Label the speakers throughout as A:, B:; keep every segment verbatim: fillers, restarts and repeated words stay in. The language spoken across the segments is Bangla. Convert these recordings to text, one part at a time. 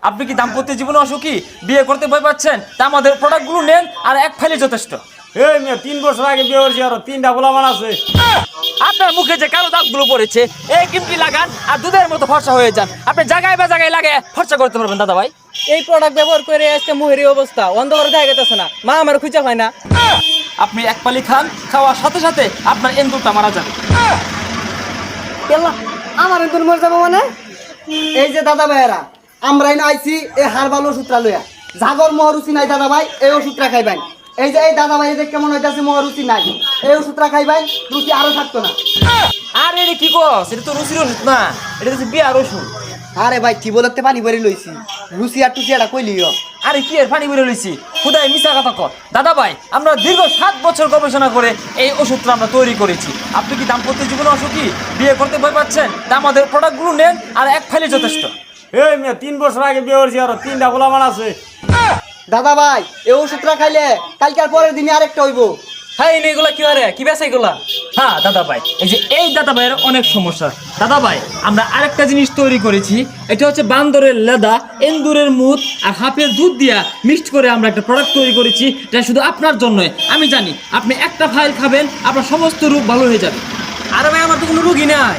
A: আপনি কি দাম্পত্য জীবনে অসুখী, বিয়ে করতে ভয় পাচ্ছেন? তা আমাদের প্রোডাক্টগুলো নেন, আর এক ফাইলে যথেষ্ট।
B: এই মেয়ে তিন বছর আগে বিয়ে করছি, আরো তিনটা গোলামান আছে।
A: আপনার মুখে যে কালো দাগগুলো পড়েছে, এই ক্রিমটি লাগান আর দুধের মতো ফর্সা হয়ে যান। আপনি জায়গায় বা জায়গায় লাগে ফর্সা করতে পারবেন দাদা ভাই।
C: এই প্রোডাক্ট ব্যবহার করে আজকে মুহেরি অবস্থা অন্ধকারে দেখা গেতেছে না, মা আমার খুঁজে হয় না।
A: আপনি এক পালি খান, খাওয়ার সাথে সাথে আপনার এন্দুরটা মারা যাবে।
D: কেলা আমার এন্দুর মরে যাবো মানে? এই যে দাদা ভাইয়েরা, আমরা এনে আইছি এই হারবাল ওষুধটা লইয়া। জাগর মহরুচি নাই দাদা ভাই, এই ওষুধটা খাইবেন। এই যে এই দাদা ভাই যে কেমন হইতাছে মহরুচি নাই, এই ওষুধটা খাইবেন, রুচি আরো থাকতো না।
A: আর এটা কি কস? এটা তো রুচির ওষুধ না, এটা হচ্ছে বিয়ার ওষুধ।
D: আরে ভাই কি বলতে পানি ভরে লইছি, রুচি আর টুচি এটা কইলিও।
A: আরে কি এর পানি বেরো লইছি, খুদাই মিশা কথা কর। দাদা ভাই, আমরা দীর্ঘ সাত বছর গবেষণা করে এই ওষুধটা আমরা তৈরি করেছি। আপনি কি দাম্পত্য জীবনে অসুখী, বিয়ে করতে ভয় পাচ্ছেন? তা আমাদের প্রোডাক্টগুলো নেন, আর এক ফাইলে যথেষ্ট।
B: এই মেয়ে তিন বছর আগে বিয়ে করছি, আরো তিনটা গোলামান আছে।
D: দাদা ভাই এই ওষুধটা খাইলে কালকে আর পরের দিনে আরেকটা হইব।
C: হ্যাঁ এগুলা কি আরে কি বেছে এগুলা?
A: হ্যাঁ দাদা ভাই, এই যে এই দাদা ভাইয়ের অনেক সমস্যা। দাদা ভাই, আমরা আরেকটা জিনিস তৈরি করেছি, এটা হচ্ছে বান্দরের লেদা, এন্দুরের মুদ আর হাফের দুধ দিয়া মিক্সড করে আমরা একটা প্রোডাক্ট তৈরি করেছি। এটা শুধু আপনার জন্যই। আমি জানি আপনি একটা ফাইল খাবেন, আপনার সমস্ত রোগ ভালো হয়ে যাবে।
C: আরে ভাই আমার তো কোনো রুগী নাই।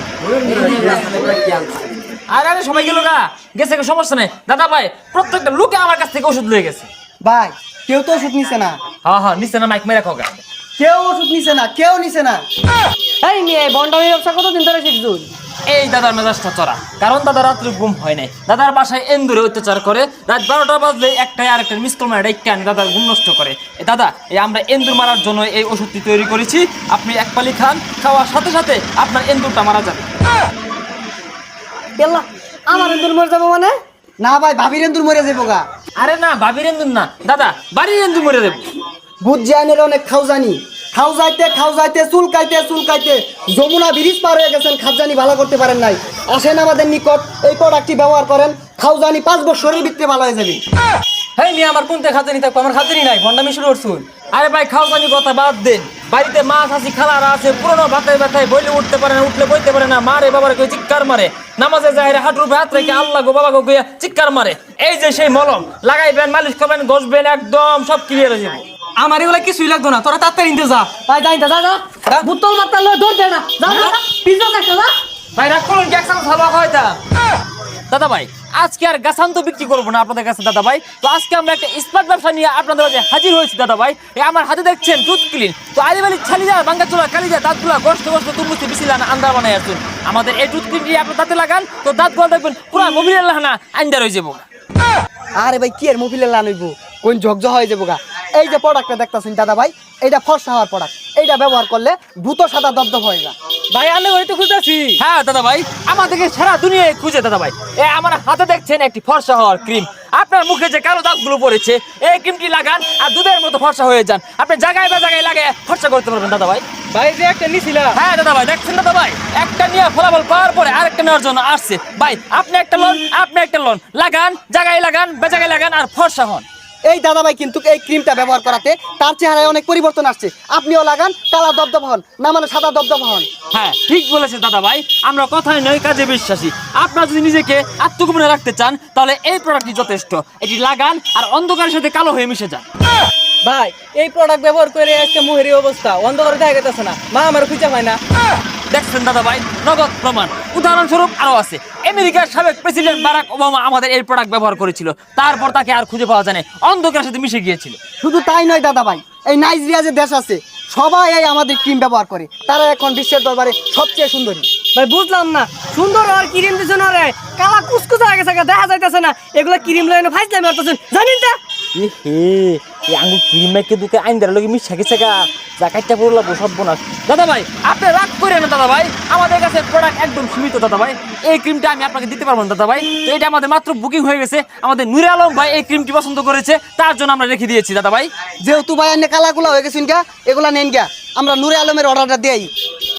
A: আর আরে সবাই গেল গা, গেছে গা, সমস্যা নেই। দাদা ভাই, প্রত্যেকটা লোকে আমার কাছ থেকে ওষুধ লয়ে গেছে।
D: ভাই কেউ তো ওষুধ নিছে না,
A: হ্যাঁ হ্যাঁ, নিচে না, মাইক মেরে খোগা।
D: কেউ ওষুধ নিছে না, কেউ নিছে না।
C: এই মেয়ে বন্ডামি ব্যবসা কতদিন ধরে শিখছুন?
A: এই দাদার মেজাজটা চড়া, কারণ দাদা রাত্রে ঘুম হয় নাই। দাদার বাসায় এন্দুরে অত্যাচার করে, রাত বারোটা বাজলে একটাই আরেকটা মিস কল মারে ডাইকা আনি দাদার ঘুম নষ্ট করে। এ দাদা, এই আমরা এন্দুর মারার জন্য এই ওষুধটি তৈরি করেছি। আপনি এক পালি খান, খাওয়ার সাথে সাথে আপনার এন্দুরটা মারা যাবে।
D: কেলা আমার এন্দুর মরে যাবো মানে? না ভাই ভাবির এন্দুর মরে যাবো গা।
A: আরে না, ভাবির এন্দুর না দাদা, বাড়ির এন্দুর মরে দেবো।
D: বুঝ জানের অনেক খাও জানি, খাও যাইতে খাও যাইতে চুলকাইতে চুলকাইতে যমুনা ব্রিজ পার হয়ে গেছেন, খাজানি ভালো করতে পারেন নাই। আসেন আমাদের নিকট, এই প্রোডাক্টটি ব্যবহার করেন, খাও জানি পাঁচ বছরের ভিতরে ভালো হয়ে যাবে।
C: হেই মেয়ে আমার কোনতে খাজানি থাকবো? আমার খাজানি নাই, বন্ডামি শুরু করছুন।
A: আরে ভাই, খাও জানি কথা বাদ দেন। বাড়িতে মাছ আছি, খালারা আছে, পুরোনো ভাতায় ব্যথায় বইলে উঠতে পারে না, উঠলে বইতে পারে না, মারে বাবার কই চিৎকার মারে, নামাজে যায় হাঁটুর উপরে হাত রেখে আল্লাহ গো বাবা গো কইয়া চিৎকার মারে। এই যে সেই মলম লাগাইবেন, মালিশ করবেন, ঘষবেন, একদম সব ক্লিয়ার হয়ে যাবে।
C: আমার এগুলা কিছুই লাগতো না, তোরা তাড়াতাড়ি নিতে যা।
D: ভাই যাই যা যা, বুতল মারতে লয় ধর দে না, যা যা পিছন একটা যা।
A: ভাই রাগ করুন, কি একসাথে ভালো হয় তা। দাদা ভাই, আজকে আর গাছান তো বিক্রি করবো না আপনাদের কাছে দাদা ভাই। তো আজকে আমরা একটা স্মার্ট ব্যবসা নিয়ে আপনাদের কাছে হাজির হয়েছি দাদা ভাই। এই আমার হাতে দেখছেন টুথ ক্লিন। তো আলিবালি ছালিদা বাঙ্গা চোলা কালিদা দাঁতগুলা গোষ্ঠ গোষ্ঠ তুমুস্তি বিছিলা না আন্দার বানাই আসুন। আমাদের এই টুথ ক্লিনটি আপনার দাঁতে লাগান, তো দাঁতগুলো দেখবেন পুরো মোবিলের লাহানা আন্দার হয়ে যাবো।
D: আরে ভাই কি এর মোবিলের লান হইব, কোন ঝকঝক হয়ে যাবো গা। এই যে প্রোডাক্টটা দেখতাছেন দাদা ভাই, এইটা ফর্সা হওয়ার প্রোডাক্ট। এইটা ব্যবহার করলে ভূত সাদা দবদব হয়ে যা।
C: ভাই আমি হয়তো খুঁজতেছি।
A: হ্যাঁ দাদা ভাই, আমাদেরকে সারা দুনিয়ায় খুঁজে দাদা ভাই। এ আমার হাতে দেখছেন একটি ফর্সা হওয়ার ক্রিম। আপনার মুখে যে কালো দাগগুলো পড়েছে, এই ক্রিমটি লাগান আর দুধের মতো ফর্সা হয়ে যান। আপনি জায়গায় বা জায়গায় লাগে ফর্সা করতে পারবেন দাদা ভাই।
C: ভাই যে একটা নিছিলা।
A: হ্যাঁ দাদা ভাই, দেখছেন দাদা ভাই, একটা নিয়ে ফলাফল পাওয়ার পরে আরেকটা নেওয়ার জন্য আসছে ভাই। আপনি একটা লোন, আপনি একটা লোন লাগান, জায়গায় লাগান, বেজাগায় লাগান আর ফর্সা হন।
D: এই দাদা ভাই কিন্তু এই ক্রিমটা ব্যবহার করাতে তার চেহারায় অনেক পরিবর্তন আসছে। আপনিও লাগান, কালা দবদব হন, না মানে সাদা দবদব হন।
A: হ্যাঁ ঠিক বলেছে দাদা ভাই, আমরা কথায় নয় কাজে বিশ্বাসী। আপনারা যদি নিজেকে আত্মগোপনে রাখতে চান, তাহলে এই প্রোডাক্টটি যথেষ্ট। এটি লাগান আর অন্ধকারের সাথে কালো হয়ে মিশে যান।
C: ভাই এই প্রোডাক্ট ব্যবহার করে আজকে মুহেরি অবস্থা অন্ধকারে দেখা গেতেছে না, মা আমার খুঁজে হয় না।
A: দেখছেন দাদা ভাই, নগদ প্রমাণ। উদাহরণস্বরূপ আরো আছে, আমেরিকার সাবেক প্রেসিডেন্ট বারাক ওবামা আমাদের এই প্রোডাক্ট ব্যবহার করেছিল, তারপর তাকে আর খুঁজে পাওয়া যায় না, অন্ধকারের সাথে মিশে গিয়েছিল।
D: শুধু তাই নয় দাদা ভাই, এই নাইজেরিয়া যে দেশ আছে সবাই এই আমাদের ক্রিম ব্যবহার করে, তারা এখন বিশ্বের দরবারে সবচেয়ে সুন্দরী।
C: ভাই বুঝলাম না, সুন্দর আর ক্রিম দিছ না রে, কালা কুচকুচা হয়ে গেছে, দেখা যাইতেছে না। এগুলা ক্রিম লইনে ফাইজলামি করতেছেন জানেন তা?
A: এ হে, এই আঙ্গুর ক্রিম মেখে দুকে আইন দেওয়ার লোক মিশা গেছে গা, জাকাইটা পড়লো সব বোনাস। দাদা ভাই আপনি রাগ করে না দাদা ভাই, আমাদের কাছে প্রোডাক্ট একদম সীমিত দাদা ভাই। এই ক্রিমটা আমি আপনাকে দিতে পারবো না দাদা ভাই। তো এটা আমাদের মাত্র বুকিং হয়ে গেছে, আমাদের নুরে আলম ভাই এই ক্রিমটি পছন্দ করেছে, তার জন্য আমরা রেখে দিয়েছি দাদা ভাই।
D: যেহেতু ভাই এনে কালাগুলা হয়ে গেছেন গা, এগুলা নেন গা, আমরা নূরে আলমের অর্ডারটা দেই।